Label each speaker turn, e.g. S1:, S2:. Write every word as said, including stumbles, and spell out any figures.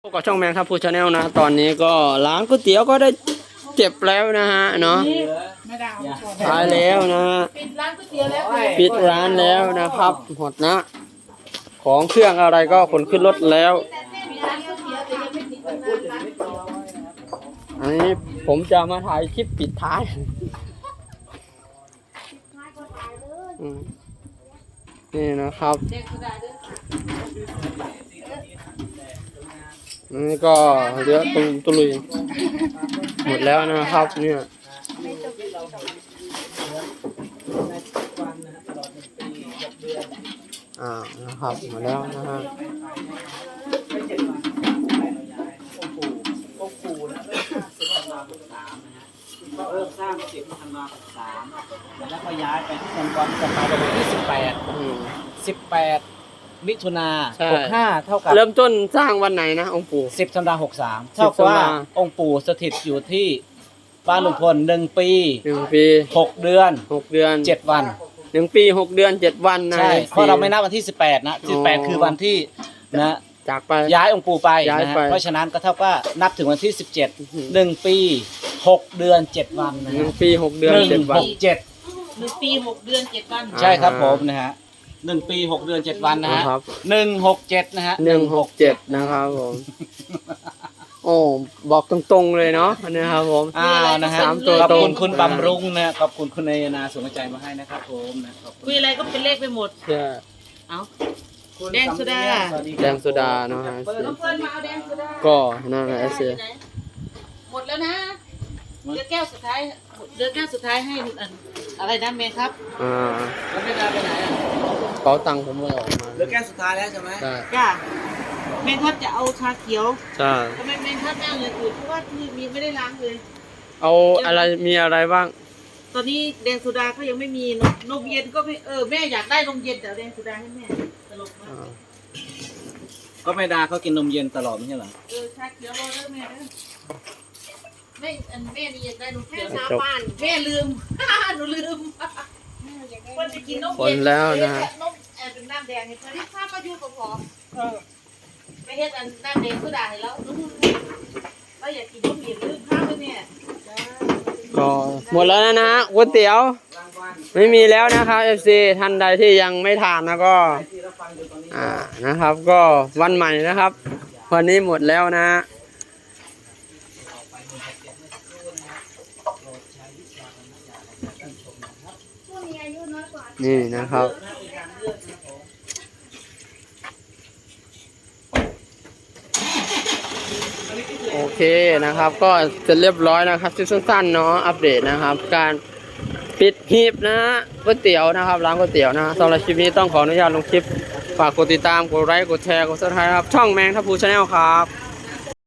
S1: พบกับช่องแมงทับพูชาแนลนะตอนนี้ก็ร้านก๋วยเตี๋ยวก็ได้เจ็บแล้วนะฮะเนาะขายแล้วนะปิดร้านก๋วยเตี๋ยวแล้วปิดร้านแล้วนะครับหมดนะของเครื่องอะไรก็ขนขึ้นรถแล้วอันนี้ผมจะมาถ่ายคลิปปิดท้ายนี่นะครับนี่ก็เยอะตุลุตุลุยหมดแล้วนะครับเนี่ยอ่านะครับหมดแล้วนะฮะ
S2: ก็เริ่มสร้างสิบธันวาคมสามแล้วก็ย้ายไปที่องค์กรจะไปวันที่สิบแปดสิบแปดมิถุนาหกห้าเท่ากับ
S1: เริ่มต้นสร้างวันไหนนะองค์ปู่
S2: สิบธันวาคมหกสามเท่ากับว่าองค์ปู่สถิตอยู่ที่บ้านลุงพลหนึ่งปี
S1: หนึ่งปี
S2: หกเดือน
S1: หกเดือน
S2: เจ็ดวัน
S1: หนึ่งปีหกเดือนเจ็ดวันนะ
S2: ใช่เพราะเราไม่นับวันที่สิบแปดนะสิบแปดคือวันที่นะ
S1: จากไป
S2: ย้ายองค์ปู่ไปนะเพราะฉะนั้นก็เท่ากับนับถึงวันที่สิบเจ็ดหนึ่งปีหกเดือนเจ็ดวันนะ
S1: หนึ่งปีหกเดือนเจ็ดวัน
S2: เจ็ด
S3: หนึ่งปีหกเดือนเจ็ดวัน
S2: ใช่ครับผมนะฮะหนึ่งปีหกเดือนเจ็ดวันนะฮะหนึ่งหกเจ็ดนะฮะ
S1: หนึ่งหกเจ็ดนะครับผมโอ้บอกตรงๆเลยเนาะนะครับผม
S2: อ้าวนะฮะ
S1: สามตัว
S2: ขอบคุณคุณบำรุงนะขอบคุณคุณนายนาส่งใจมาให้นะครับผมนะ
S3: คุยอะไรก็เป็นเลขไปหมด
S1: ใช่
S3: เอาแดงโซดา
S1: แดงโซดาเนาะฮะก็นั่นแหละเสีย
S3: หมดแล้วนะเดือแก้วสุดท้ายเดือแก้วสุดท้ายให้อะไรนะเมย์ครับ
S1: อ่า
S2: แล้วไม่ได้ไปไหนอ่ะ
S1: เป๋าตังค์ผมเลยออกมา
S2: เดือแก้วสุดท้ายแล้วใช่ไหม
S1: ใช่
S3: จ้าเมย์ทับจะเอาชาเขียว
S1: ใช่
S3: ทำไมเมย์ทับไม่เอาอย่างอื่นเพราะว่าที่มีไม่ได้ล้างเลย
S1: เอาอะไรมีอะไรบ้าง
S3: ตอนนี้แดงโซดาเขายังไม่มีนมเย็นก็ไม่เออแม่อยากได้นมเย็นแต่แดงโซดาให้แม่ตลกมาก
S2: ก็ไม่ดาเขากินนมเย็นตลอดไม่ใช่เหรอ
S3: เออชาเขียวรอแล้วแม่แม่อันแม่นี่อยากได้นมเขียวชาบ้านแม่ลืมหนูลืมคนจะกินนมเย็น
S1: แล้วนะ
S3: นมแอบเป็นน้ำแดงให้เพื่อนที่ข้ามาอยู่กับพอไม่เฮ็ดอันน้ำแดงก็ได้แล้วเราอยากกินนมเย็นลืมข้าวไปเนี่ย
S1: ก็หมดแล้วนะก๋วยเตี๋ยวไม่มีแล้วนะครับ เอฟ ซี ท่านใดที่ยังไม่ทานนะก็อ่านะครับก็วันใหม่นะครับวันนี้หมดแล้วนะนี่นะครับโอเคนะครับก็จะเรียบร้อยนะครับคลิปสั้นๆเนาะอัปเดตนะครับการปิดหีบนะก๋วยเตี๋ยวนะครับร้านก๋วยเตี๋ยวนะสำหรับคลิปนี้ต้องขออนุญาตลงคลิปฝากกดติดตามกดไลค์กดแชร์กดซับสไครบ์ครับช่องแมงทับพูชาแนลครับ